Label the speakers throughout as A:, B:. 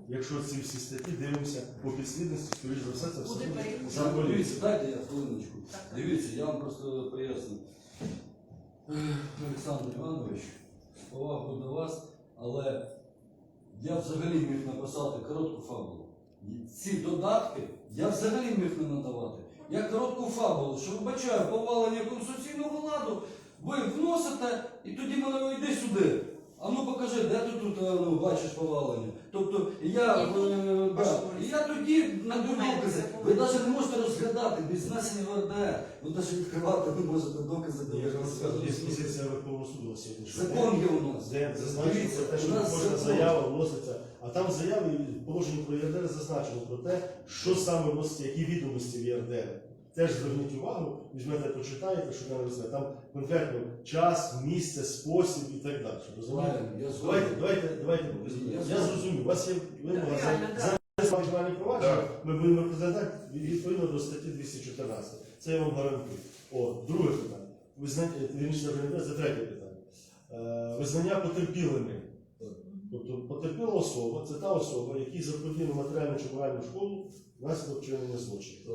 A: якщо ці всі статті дивимося по підслідності, скоріш за все, це все за
B: Дивіться,
A: поліцію.
B: дайте я хвилиночку. Дивіться, я вам просто поясню. Олександр Іванович, з повагою до вас, але я взагалі міг написати коротку фабулу. Ці додатки я взагалі міг не надавати. Я коротку фабулу, що вбачаю повалення конституційного ладу, ви вносите, і тоді мене йди сюди. А ну покажи, де ти тут бачиш повалення. Тобто я тоді надаю докази. Ви навіть не можете розглядати без знесення в РДР. Ви навіть відкривати не можете докази.
A: Є позиція Верховного суду сьогодні.
B: Закон є у нас.
A: Де зазначено те, що кожна заява вноситься. А там в заяві положення про ЄРДР зазначено про те, що саме вноситься, які відомості в ЄРДР. Теж зверніть увагу, візьмете, почитаєте, що там написано. Там конкретно час, місце, спосіб і так далі. Давайте. Я зрозумів. У вас є вимога за кримінальне провадження, ми будемо розглядати відповідно до статті 214. Це я вам гарантую. Друге питання. Це третє питання. Визнання потерпілими. Тобто потерпіла особа, це та особа, якій заподіяно матеріальну чи моральну шкоду внаслідок вчинення злочину.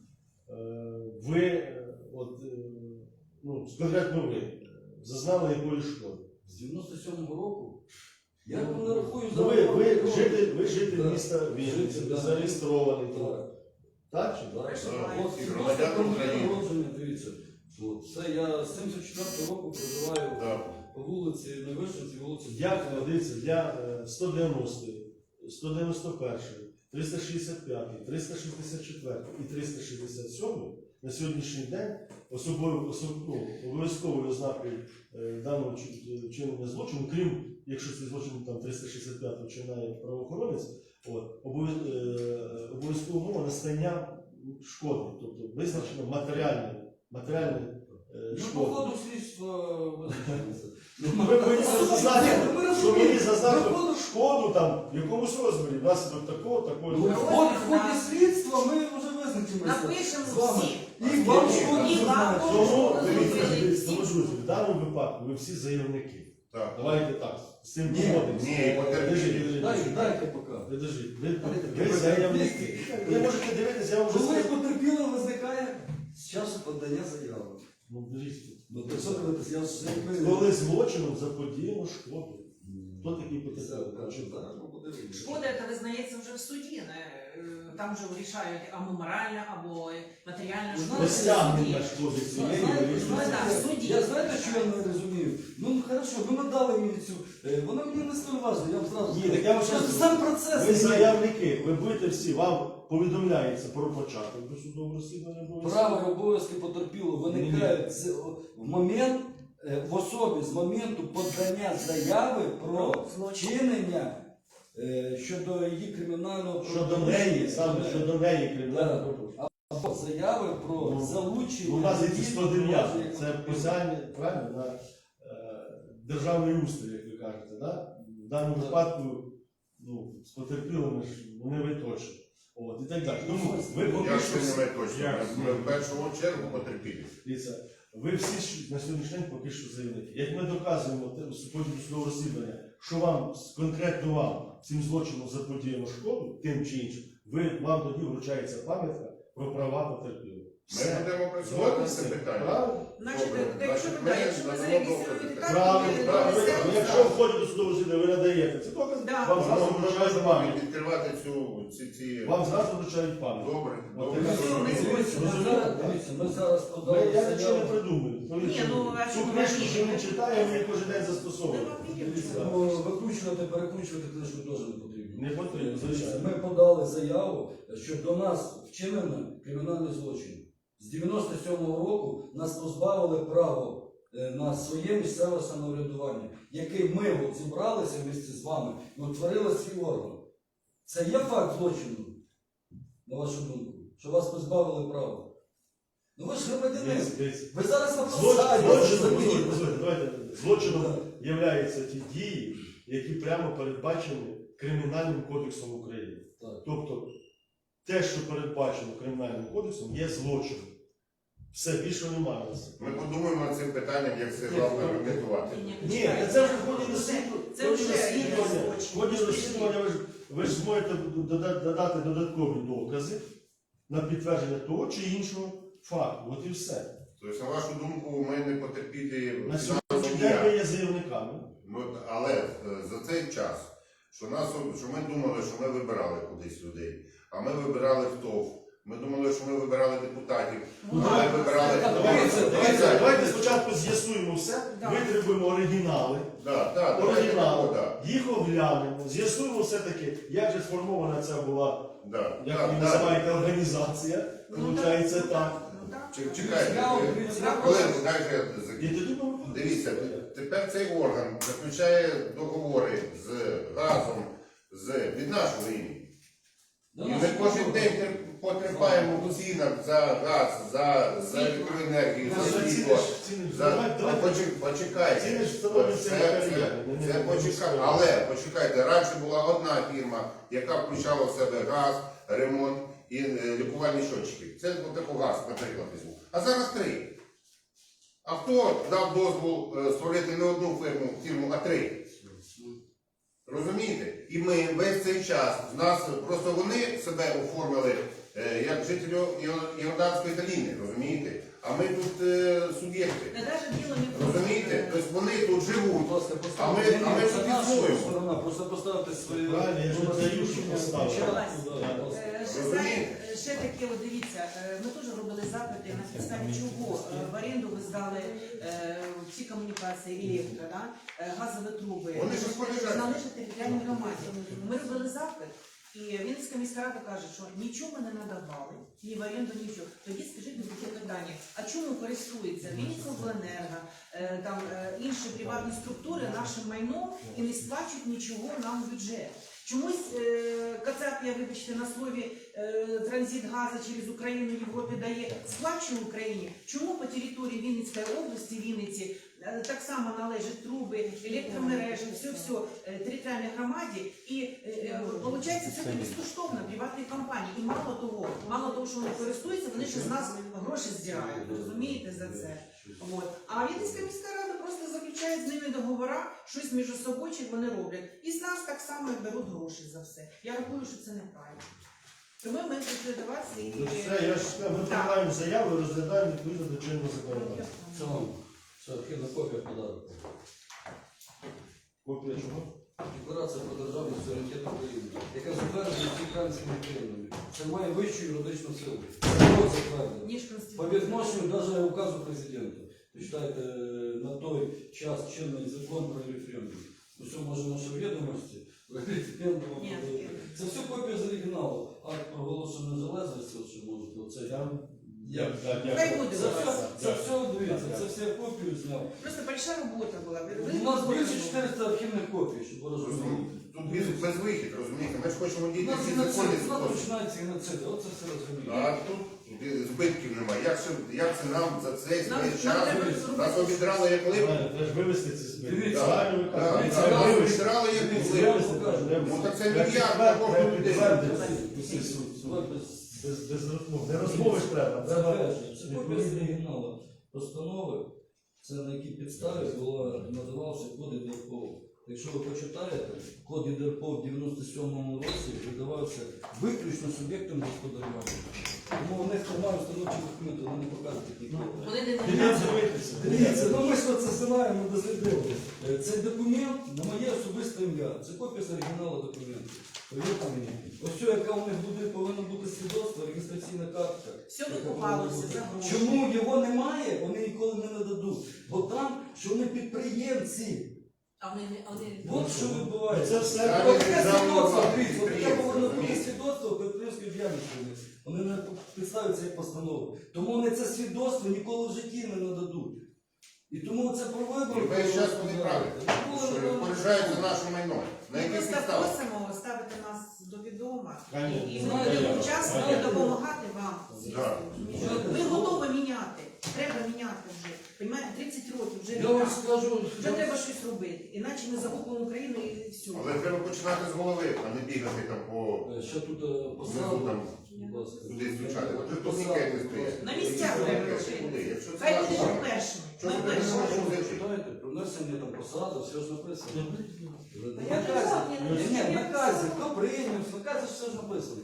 A: Ви, конкретно ви, зазнали якої шкоди?
B: З 97-го року? Я не рахую за...
A: Ви житель міста Вінниці, зареєстрований. Так чи так?
B: І громадян України. Дивіться, це я з 74-го року проживаю по вулиці Невишинці, вулиці...
A: Як, дивіться, для 190-ї, 191-ї, 365, 364 і 367 на сьогоднішній день обов'язковою ознакою даного вчинення злочину, крім, якщо цей злочин там 365 вчиняє правоохоронець, обов'язкова умова настання шкоди, тобто визначено матеріальне
B: Ну, по ходу слідства визначається.
A: Ви повинні зазнати шкоду там в якомусь розмірі, внаслідок такого.
B: В ході слідства ми вже визначимося.
C: Напишемо всі.
B: І вам шкоду
A: Тому,
C: зазначимо.
A: друзі, в даному випадку ви всі заявники. Давайте так, з цим
B: погодимося. Дайте поки.
A: Ви заявники. Ви можете дивитися, я вам вже
B: Коли
A: скажу.
B: потерпіло визникає з часу подання заяви.
A: Коли злочином заподіяно шкоду. Хто такий потерпілий?
C: Шкода, яка визнається вже в суді. Там вже вирішають або моральна, або матеріальна шкода.
A: Стягнення шкоди цієї вирішується.
B: Я знаєте, що я не розумію? Ну, хорошо, ви надали мені цю... Вона мені не столь важна, я вам зразу... Сам процес...
A: Ви заявники, ви будете всі, вам повідомляється про початок досудового розслідування.
B: Права і обов'язки потерпілого виникають в особі з моменту подання заяви про вчинення щодо її кримінального
A: правопорушення. Щодо неї кримінального правопорушення.
B: Або заяви про залучення...
A: У нас є 109, це посягання, правильно, на державний устрій, як ви кажете, да? В даному випадку з потерпілими ж не ви точно. І так далі. Тому ви
D: Я ще не ви точно. В першу чергу потерпілі.
A: Ви всі на сьогоднішній день поки що заявники. Як ми доказуємо в ході судового розслідування, що вам, конкретно вам, цим злочином заподіяно шкоду, тим чи іншим, вам тоді вручається пам'ятка про права потерпілих.
D: Ми будемо працювати з цим питанням.
C: Якщо ви зареєструєте
A: Правильно. Якщо в ході до судового розслідування ви надаєте ці докази, вам зразу вручають пам'ятку.
D: Відкривати ці...
A: Вам зразу вручають пам'ятку.
D: Добре.
B: Ми зараз подали
A: Я нічого не
B: заяву.
A: придумую. Цю книжку, що ми читаємо, ми кожен день застосовуємо.
B: Викручувати, перекручувати книжку теж не потрібно.
A: Не потрібно, звичайно.
B: Ми подали заяву, що до нас вчинено кримінальний злочин. З 97-го року нас позбавили права на своє місцеве самоврядування, яке ми зібралися місце з вами і утворили свій орган. Це є факт злочину, на вашу думку, що вас позбавили права. Ну ви ж громадянин. Ви зараз на посаді.
A: Злочином являються ті дії, які прямо передбачені Кримінальним кодексом України. Тобто, те, що передбачено Кримінальним кодексом, є злочином. Все, більше немає. Ми
D: подумаємо над цим питанням, як це головне регламентувати.
A: Ні, це вже в ході розслідування. В ході розслідування ви ж зможете додати додаткові докази на підтвердження того чи іншого факту. От і все.
D: Тобто, на вашу думку, ми не потерпіли
A: На
D: фінансово
A: сьогоднішній день
D: ніяк.
A: ви є заявниками.
D: Але за цей час, що ми думали, що ми вибирали кудись людей, а ми вибирали ТОВ, ми думали, що ми вибирали депутатів,
C: Ну,
D: а ми
C: так,
D: вибирали...
C: так,
A: Давайте спочатку з'ясуємо все,
C: Да.
A: витребуємо оригінали.
D: Оригінал.
A: Їх оглянемо, з'ясуємо все-таки, як же сформована ця була, як ви
D: Так.
A: називаєте, організація. Получається так.
C: Ну, так.
D: Чекайте,
C: Так.
D: хвилинку, дайте я
A: І
D: закінчу.
A: тоді ми
D: Дивіться, тепер цей орган заключає договори з газом, від нашого імені. І ми кожен день потерпаємо в цінах за газ, за електроенергію, за світло. Почекайте.
A: Ціни ж встановлюються на кар'єрі.
D: Але почекайте, раніше була одна фірма, яка включала в себе газ, ремонт і лікувальні щотчики. Це отаку газ, наприклад, візьму. А зараз 3. А хто дав дозвол створити не одну фірму, а 3? Розумієте? І ми весь цей час, в нас просто вони себе оформили як жителі Йорданської долини, розумієте? А ми тут суб'єкти.
C: Та навіть діло не в тому.
D: Розумієте? Тобто вони тут живуть.
B: Будь ласка,
D: А ми
B: поставте
D: тут
B: наша
D: існуємо.
B: сторона, просто поставте свої...
A: Правильно, я ж не даю, щоб поставити.
C: Ще таке, от дивіться, ми теж робили запити, на підставі чого в оренду ви здали всі комунікації, електро, да? Газові труби.
D: Вони ж розпоряджаються.
C: Належать територіальній громаді. Ми робили запит, і Вінницька міська рада каже, що нічого ми не надавали, ні в оренду, нічого. Тоді скажіть мені таке питання, а чому користуються Вінницька обленерго, там інші приватні структури нашим майном і не сплачують нічого нам в бюджет? Чомусь Кацап, я вибачте, на слові транзит газу через Україну Європі дає, сплачує Україні. Чому по території Вінницької області, Вінниці, так само належать труби, електромережі, все територіальній громаді, і виходить, все це безкоштовно приватні компанії. І мало того, що вони користуються, вони ще з нас гроші здирають, розумієте, за це. От. А Вінницька міська рада просто заключає з ними договори, щось між собою чи вони роблять. І з нас так само беруть гроші за все. Я рахую, що це неправильно. Тому ми прийшли до вас і...
A: Все, ми приймаємо заяву і розглядаємо відповідно до чинного законодавства.
B: Це вам. Це архівна копія подарунку.
A: Копія чого?
B: Декларація про державний суверенітет України, яка затверджена українськими країнами. Це має вищу юридичну силу. Хто затвердив?
C: Ніж
B: По
C: Конституція.
B: відношенню навіть указу президента. Ви читаєте на той час чинний закон про референдум. Усе може наші відомості. Референдум.
C: Ні,
B: Це все копія з оригіналу. Акт проголошеної незалежності, що можете. Оце
A: Як?
C: Хай буде.
B: Це все, дивіться, це все я копію зняв.
C: Просто большая робота була.
B: У нас більше 400 архівних копій, щоб ви розуміли.
D: Тут безвихід, розумієте? Ми ж хочемо
B: У
D: діти
B: нас
D: всі
B: геноцид,
D: законні
B: у нас
D: спосіб.
B: починається геноцид, оце все розуміє.
D: А тут збитків немає. Як це нам за цей
C: Нам
D: час
C: треба зробити.
D: нас обідрали як липу?
A: Треба ж вивести ці збитки.
B: Дивіться.
A: Правильно ви кажете.
D: Так,
A: Це
D: нас
A: вивести.
D: обідрали як
B: Дивіться,
D: липу.
B: я вам покажу.
D: Ну так це
A: Треба
D: мільярд на кожну людей.
A: підтвердити усі суд. Без розмов. Не розмови ж треба.
B: Це
A: Треба
B: перше. Це копія з оригіналу постанови, це на якій підставі надавався код ІДРПО. Якщо ви почитаєте, код ІДРПО в 97-му році видавався виключно суб'єктом господарювання. Тому у них немає установчих документів, вони не показують такі копії.
C: Вони не
A: дивитися.
B: Дивіться, ну ми ж це знаємо, дослідили. Цей документ на моє особисте ім'я. Це копія з оригіналу документу. Повірте мені. Ось що, яка у них буде, повинно бути свідоцтво, реєстраційна картка.
C: Все викупалося за гроші.
B: Чому його немає, вони ніколи не нададуть. Бо там, що вони підприємці.
C: А вони
B: От що відбувається.
A: Це все.
D: Так.
B: От таке свідоцтво,
D: державна
B: дивіться, от таке
D: підприємство,
B: повинно бути
D: розумієте?
B: свідоцтво підприємської діяльності. Вони не підставляться як постанову. Тому вони це свідоцтво ніколи в житті не нададуть. І тому це про вибори.
D: І весь час вони праві. Що розпоряджаються нашим майном. На
C: Ми
D: яких
C: просто
D: підставах?
C: просимо ставити нас до відома.
A: Конечно.
C: І
B: Знаєте,
C: ми учасно
A: Конечно.
C: допомагати вам.
D: Да.
C: Ми готові міняти. Треба міняти вже. Понімаєте, 30 років вже
B: Я вам
C: війна.
B: скажу,
C: Вже треба щось робити. Іначе ми загубимо Україну і все.
D: Але треба починати з голови, а не бігати там по
B: ще тут
D: внизу
B: посаду.
D: там
B: Будь ласка.
D: кудись звучати. От же
B: Посаду,
D: турнікети
B: будь ласка.
D: стоять.
C: На місцях
D: Які
C: треба
D: турнікети?
C: робити.
D: Куди? Якщо це
C: Хай
D: наш
C: буде
D: план.
C: першими.
D: Що
C: Ми
D: ви
C: першими.
D: не можете?
B: Читайте, внесення там посади, все ж написано.
C: А я не знаю, я не
B: Ні,
C: знаю,
B: в
C: як
B: наказі,
C: це.
B: хто прийняв, в наказі все ж написано.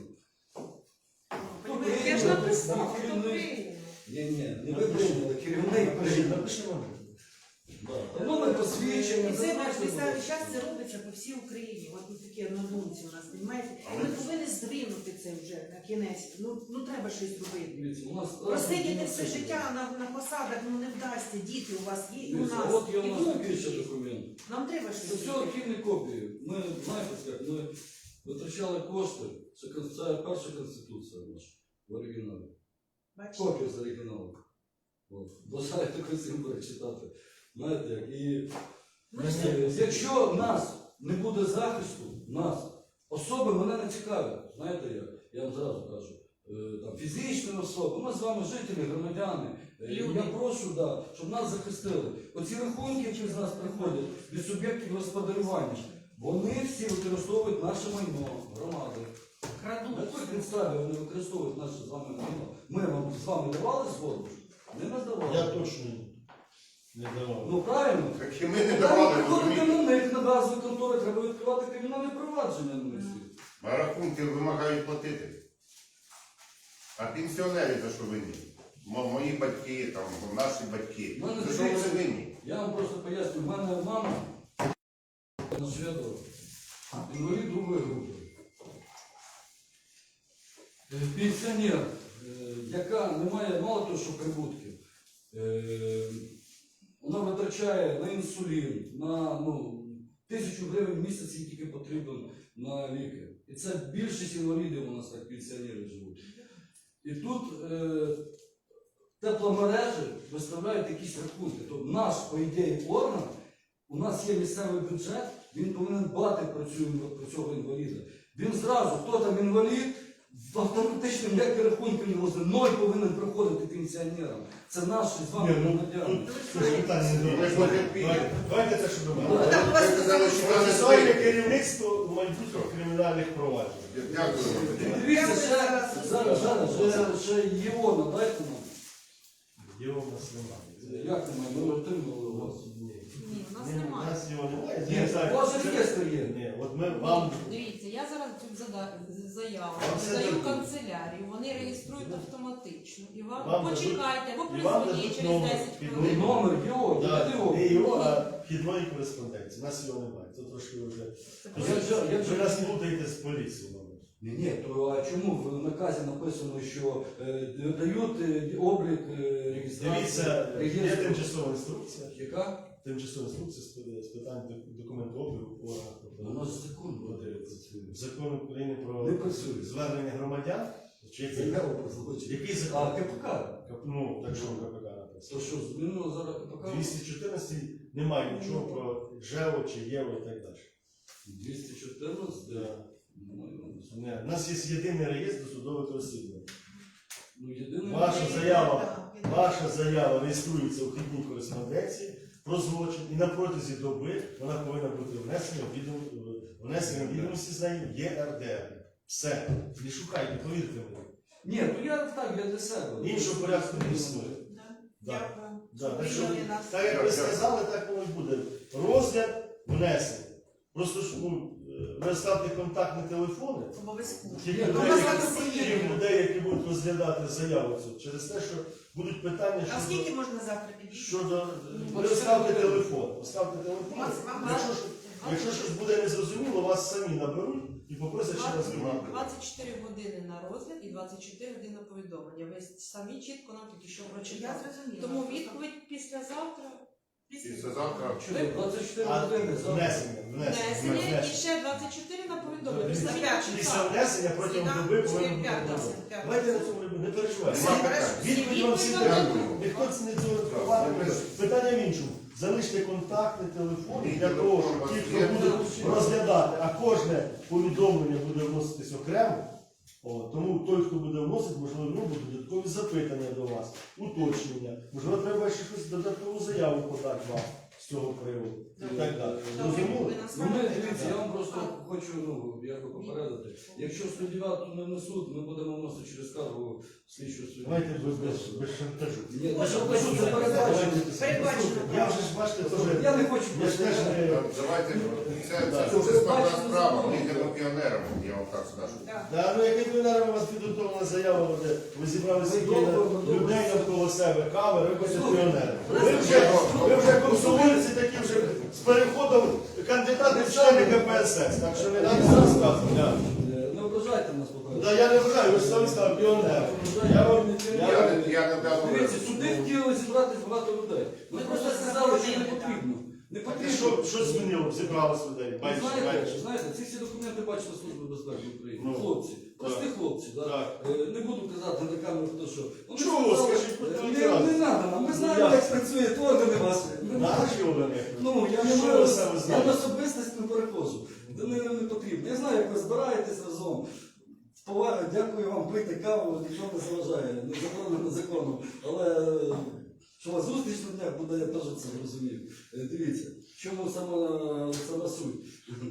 C: Я ж написала, хто
B: керівник.
C: прийняв.
B: Ні, не ви прийняли, керівник прийняв.
A: Напишемо.
B: Да. Номер посвідчення,
C: І це на
B: зазначено.
C: підставі час це робиться по всій Україні. От тут такі однодумці у нас, розумієте? Ми повинні здвинути це вже на кінець. Ну треба щось робити.
B: Дивіться, у нас
C: Просидіти все життя на посадах, ну не вдасться. Діти у вас є, і у
B: Дивіться,
C: нас.
B: от є
C: і
B: у нас
C: внуки
B: такий ще
C: є.
B: документ.
C: Нам треба
B: Це
C: щось
B: все
C: робити.
B: архівні копії. Ми, знаєте, як, ми витрачали кошти. Це перша конституція наша в оригіналі.
C: Бачите?
B: Копія з оригіналу. Бажаю також всім перечитати. Знаєте, як, і
C: Ми ж
B: якщо в нас не буде захисту, нас, особи мене не цікавлять. Знаєте як? Я вам зразу кажу. Там, фізичні особи, ми з вами жителі, громадяни.
C: Люди.
B: Я прошу, да, щоб нас захистили. Оці рахунки, які з нас приходять від суб'єктів господарювання, вони всі використовують наше майно, громади. На
C: крадуть.
B: якій підставі вони використовують наше з вами майно? Ми вам з вами давали згоду? Не надавали.
A: Я точно не давав.
B: Ну правильно?
D: Так і ми не
B: Треба
D: давали,
B: приходити
D: розумієте?
B: на них на базові контори, треба відкривати кримінальне провадження на них всіх.
D: А рахунки вимагають платити. А пенсіонери за що винні? Мої батьки, там, наші батьки.
B: Ну, не
D: За що вони
B: дивіться.
D: винні?
B: Я вам просто поясню, в мене мама на Шведова, інвалід другої групи. Пенсіонер, яка не має мало того, що прибутків, вона витрачає на інсулін, на 1000 гривень в місяць їй тільки потрібен на ліки. І це більшість інвалідів у нас так пенсіонери живуть. І тут тепломережі виставляють якісь рахунки. Тобто наш, по ідеї, орган, у нас є місцевий бюджет, він повинен дбати про цього інваліда. Він зразу, хто там інвалід, автоматично ніякі рахунки не власне, ноль повинен приходити пенсіонерам. Це наші з вами
A: Ні, ну,
B: громадяни.
A: Це ж питання не
D: Ви ж
A: до
D: потерпіли.
A: Давайте те, що
C: Ну,
A: думаємо.
C: так, у вас
D: Ви казали, що ви не
A: Процесуальне
D: знаєте.
A: керівництво майбутніх кримінальних проваджень.
D: Дякую вам.
B: Дивіться, ще Євона, дайте нам.
A: Його в нас немає.
B: Як немає? Ми отримали у вас.
C: Ні, у нас
A: У
C: немає.
A: нас його немає.
B: Ні,
A: Я не знаю,
B: у вас
A: це-
B: реєстр є.
A: Ні, от ми вам...
E: Дивіться, я зараз цю заяву
A: Вам все
E: подаю в
A: дадуть.
E: канцелярію, вони реєструють автоматично. І вам,
A: Вам
E: почекайте, або
A: і вам
E: призвоніть
A: дадуть
E: через
A: номер
E: 10
A: під
E: хвилин.
B: Номер його,
A: Да,
B: його.
A: не його, а вхідної кореспонденції. У нас його немає. Це трошки вже... Ви нас плутаєте з поліцією. мабуть.
B: Ні, то а чому в наказі написано, що дають облік реєстрації?
A: Дивіться, є
B: реєстру?
A: тимчасова інструкція.
B: Яка?
A: Тимчасова інструкція з питань документообігу органів.
B: У нас закон
A: Подивіться. Закон України про
B: Не працює.
A: звернення громадян. Чи який?
B: Заява про злочин.
A: Який
B: А
A: закон?
B: КПК?
A: Ну, так що в КПК написано.
B: То що, змінило зараз КПК?
A: 214 немає нічого про ЖЕО чи ЄВО і так далі.
B: 214?
A: Да.
B: Немає.
A: Ні, у нас є єдиний реєстр досудових розслідувань.
B: Ну, єдине...
A: Ваша заява реєструється у вхідній кореспонденції про злочин і на протязі доби вона повинна бути внесена в відомості з нею в ЄРДР. Все. Не шукайте, повірте мені.
B: Ні, ну я так, я для себе.
A: Іншого порядку не існує. Да.
C: Дякую.
A: Да, так, що,
C: Прийняли нас.
A: так як ви сказали, так воно і буде. Розгляд внесений. Просто ж ви ставте контактні телефони.
C: Обов'язково.
A: Тільки
B: Ну,
A: людей,
C: у нас так всі є.
A: людей, які будуть розглядати заяву цю, через те, що будуть питання
C: А скільки можна завтра підійти?
A: щодо... Ви поставте телефон. Поставте телефон.
C: Вам
A: Якщо щось буде незрозуміло, вас самі наберуть і попросять ще раз вимагати.
E: 24 години на розгляд і 24 години на повідомлення. Ви самі чітко нам тільки що
C: Я
E: прочитали.
C: зрозуміла.
E: Тому відповідь післязавтра.
D: Післязавтра.
B: Чого? 24
A: А
B: години.
E: Внесення і ще 24 на повідомлення. Ви самі
A: Після
E: прочитали.
A: внесення протягом доби повинен бути
C: П'ятниця.
A: повідомлення. Давайте на цьому не переживайте.
D: Нема питань.
A: Відповідь вам всім
D: Дякую.
A: дадуть. Ніхто це не цього не питання в іншому. Залиште контактні телефони для того, щоб ті, хто буде розглядати, а кожне повідомлення буде вноситись окремо. Тому той, хто буде вносити, можливо, будуть додаткові запитання до вас, уточнення. Можливо, треба ще щось додаткову заяву подати вам. з цього приводу і
C: Добре.
A: так далі.
C: Добре,
A: Зрозуміло?
C: ви нас
B: Ну, ми,
C: знаєте,
B: дивіться, я вам просто
C: А.
B: хочу якби попередити. Якщо 109 не внесуть, ми будемо вносити через скаргу слідчу суддю.
A: Давайте без шантажу.
B: Ні,
C: Ось,
B: ну, що
C: ось,
B: це передбачено.
C: Передбачено.
A: Я вже ж бачите, теж.
B: Я не хочу
A: Я ж теж не.
D: Давайте, це
A: Да.
D: дуже складна справа, ми йдемо піонерами, я вам так скажу.
C: Так.
A: Да, ну як піонером у вас підготовлена заява, де ви зібрали стільки людей навколо себе, камери, ви хочете піонери. Ви вже комсомольці такі вже з переходом кандидати в члени КПСС, так що не треба розказувати.
B: Не ображайте нас, по-перше.
A: Да, я не вважаю, ви ж самі сказали піонери.
D: Я не дав
B: Дивіться, сюди хотіли зібратись багато людей. Ми
C: Ми
B: просто
C: просто
B: сказали, що не
C: заборонили,
B: потрібно. Не
A: Так,
B: потрібно.
A: що змінило? Зібралось людей.
B: Ви
A: Бачите,
B: знаєте, знаєте, ці всі документи бачила Служба безпеки України.
A: Ну,
B: Хлопці, прості хлопці. Да?
A: Так.
B: Не буду казати на камеру, хто що. Вони
A: Чого?
B: сказали,
A: Скажіть, будь ласка.
B: не треба нам. Ми знаємо,
A: як?
B: як працює органи ваші.
A: Наші органи.
B: Ну, я не
A: Що
B: маю,
A: ви саме
B: я
A: знаєте?
B: на особистість не перехожу. Це не потрібно. Я знаю, як ви збираєтесь разом. З повагою, дякую вам, пити каву, нічого не заважає, не заборонено законом. Але що у вас зустріч на днях буде, я теж це розумію. Дивіться, в чому сама суть?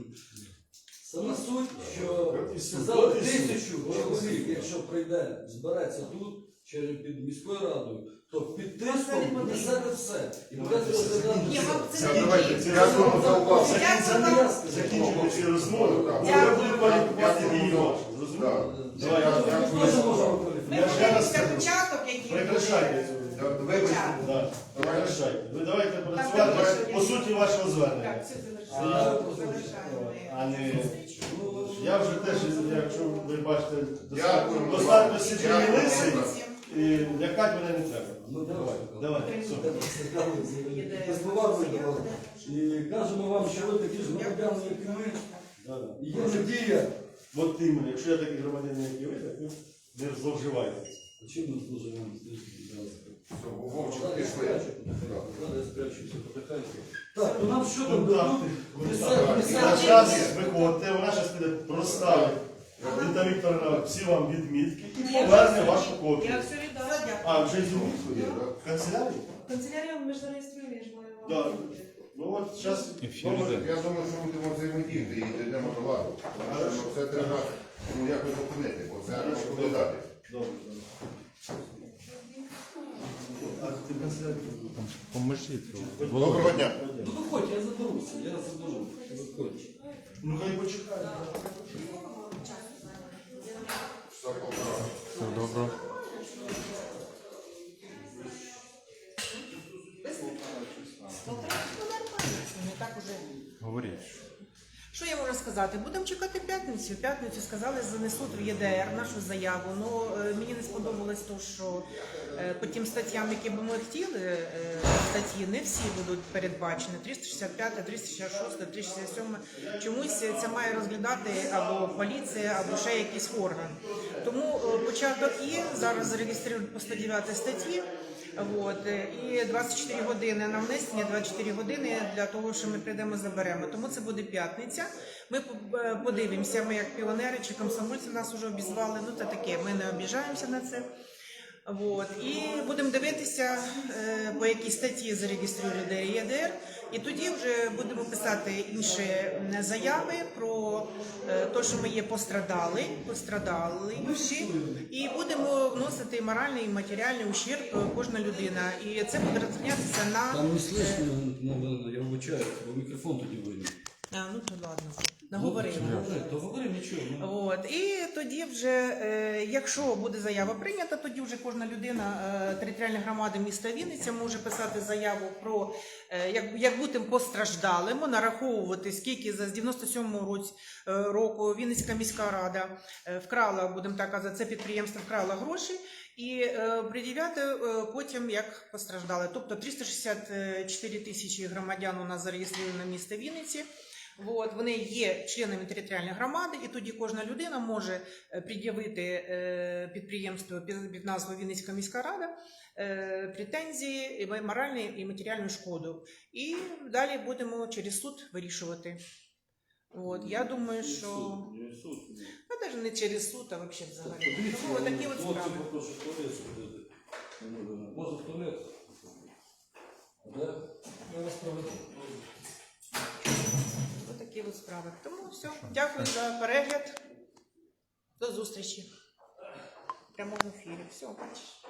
B: Сама суть, що сказали 1000 чоловік, якщо прийде, збереться тут, під міською радою, то під тиском несете все. І буде розглядати
C: Ні,
B: все.
C: вам це
D: Це,
C: не
D: давайте,
C: діє.
D: дякуємо за увагу.
A: Закінчимо ці розмови.
D: Так.
A: Я буду кваліфікувати
D: Дякую.
A: її вашу. Зрозуміло?
D: Давай,
B: Я
D: дякую.
B: теж можу
C: Ми
B: кваліфікувати.
A: Я ще раз
C: подивимося
A: скажу.
C: початок, який
A: Прекращайте.
D: Вибачте.
A: Да. Прекращайте. Ви давайте
C: Так,
A: працювати
C: давайте.
A: по суті вашого звернення.
C: Так, все завершаємо.
A: А не... Я вже теж, якщо ви бачите,
D: Дякуємо.
A: достатньо сиділи
D: Дякую.
A: лисий, і лякати мене не треба.
B: Ну, давай.
A: Давайте, супер.
B: Без поваги до вас. І кажемо вам, що ви такі ж громадяни, як і ми.
A: Да-да.
B: І є надія.
A: От іменно, якщо я такий громадянин, як і ви, так ви не зловживайте.
B: Чим ми служимо?
D: Все, Вовчик,
B: Зараз я
D: пішли.
B: спрячу потихеньку. Зараз я спрячуся потихеньку. Так, то нам що там
A: Контакти.
B: дадуть?
A: На час виходьте, вона зараз піде проставить. Віта Вікторовна, всі вам відмітки і поверне вашу копію.
E: Я все віддала.
A: А, вже відмітку є? В канцелярії?
E: Канцелярію ми ж зареєструємо, я ж маю вам.
A: Так. Ну от зараз номер.
D: Я думаю, що ми будемо взаємодіяти і дійдемо до ладу. Тому що це треба якось зупинити, бо це треба додати.
A: Добре, добре. А ти в канцелярії?
F: Поможіть.
D: Доброго дня.
B: Ну виходь, я заберуся, я заберу. Виходь.
A: Ну хай почекає.
D: Все, полтора.
F: Все добре.
C: Не так уже.
F: Говоріть.
C: Що я можу сказати? Будемо чекати п'ятницю. В п'ятницю сказали, занесуть в ЄДР нашу заяву. Ну мені не сподобалось то, що по тим статтям, які би ми хотіли, статті не всі будуть передбачені. 365, 366, 367. Чомусь це має розглядати або поліція, або ще якийсь орган. Тому початок є. Зараз зареєструють по 109 статті. От, і 24 години на внесення, 24 години для того, що ми прийдемо заберемо. Тому це буде п'ятниця. Ми подивимося, ми як піонери чи комсомольці нас вже обізвали. Ну це таке, ми не обіжаємося на це. От, і будемо дивитися, по якій статті зареєструють ЄДР. І тоді вже будемо писати інші заяви про те, що ми є пострадали всі, і будемо вносити моральний і матеріальний ущерб кожна людина. І це буде розглядатися на...
B: Там не слышно, я вибачаю, бо мікрофон тоді вийде.
C: Ну то ладно, наговорили.
B: То говори нічого.
C: От. І тоді вже, якщо буде заява прийнята, тоді вже кожна людина територіальної громади міста Вінниця може писати заяву про, як бути постраждалим, нараховувати, скільки за 97-го року Вінницька міська рада вкрала, будемо так казати, це підприємство вкрало гроші, і пред'являти потім як постраждали. Тобто 364 тисячі громадян у нас зареєстровані на місто Вінниці. От, вони є членами територіальної громади, і тоді кожна людина може пред'явити підприємству під назвою Вінницька міська рада претензії, моральну і матеріальну шкоду. І далі будемо через суд вирішувати. От, я думаю, що... Ну, навіть не через суд, а взагалі. Тому такі от справи.
B: Попрошу в туалет сходити. Можна в туалет? Да? Я вас проведемо.
C: Ось такі от справи. Тому все. Дякую за перегляд. До зустрічі в прямому ефірі. Все, бачиш.